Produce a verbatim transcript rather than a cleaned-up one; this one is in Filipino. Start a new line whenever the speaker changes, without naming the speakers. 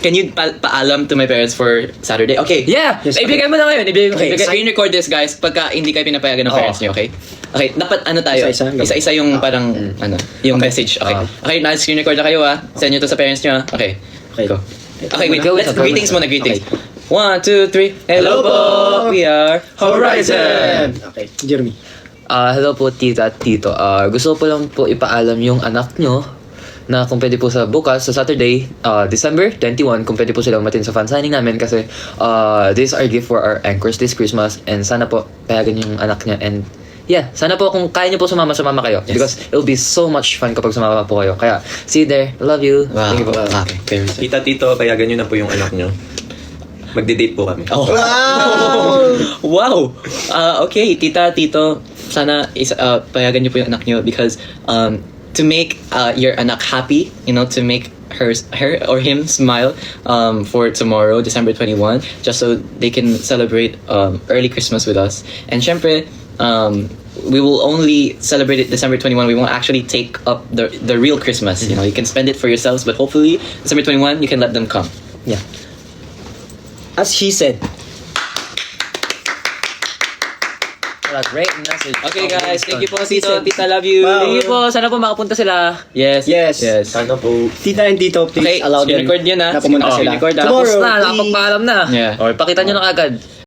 can you pa paalam to my parents for Saturday? Okay.
Yeah!
Yes,
ibigay mo na ngayon. Ibigay mo.
Okay,
ibigay-
screen record this, guys, pagka hindi kayo pinapayagan ng
Oo.
parents niyo, okay? Okay, dapat ano tayo?
Isa-isa?
Isa-isa yung parang, ano, yung message. Okay.
Ah.
Okay, na-screen record na kayo, ah. Send nyo to sa parents niyo, ah. Okay.
Okay.
Go. Okay, wait.
Go,
Let's
go, go.
greetings muna, greetings. One, two, three. Hello po! We are Horizon!
Okay, Jeremy.
Ah, hello po tita at tito. Ah, gusto ko po lang po ipaalam yung anak nyo na kung pwede po sa bukas, sa Saturday, uh, December twenty-first, kung pwede po silang matin sa fan signing namin kasi uh, this is our gift for our anchors this Christmas and sana po payagan yung anak niya and yeah, sana po kung kaya niyo po sumama, sumama kayo
Yes.
because it'll be so much fun kapag sumama po kayo. Kaya, see you there. Love you.
Wow.
Thank you po.
Okay.
Tita, tito, payagan nyo na po yung anak nyo. Magde-date po kami.
Oh. Wow! Wow! Uh, okay, tita, tito, sana is, uh, payagan niyo po yung anak niyo because um, to make uh, your anak happy, you know, to make her, her or him smile um, for tomorrow, December twenty-first, just so they can celebrate um, early Christmas with us. And syempre, um, we will only celebrate it December twenty-first. We won't actually take up the the real Christmas. You know, you can spend it for yourselves, but hopefully December twenty-first, you can let them come.
Yeah.
As she said.
What a great message.
Okay, guys, thank you po,
She
Tito.
said-
Tita, love you.
Wow.
Thank you po. Sana po makapunta sila.
Yes.
Yes.
Yes.
Sana po.
Tita and Tito, please
Okay,
allow them
record yun, ah.
na pumunta
Oh,
sila.
record, ah.
Tomorrow,
Tapos na,
please.
nakapagpaalam na.
Yeah.
Or pakita nyo na agad.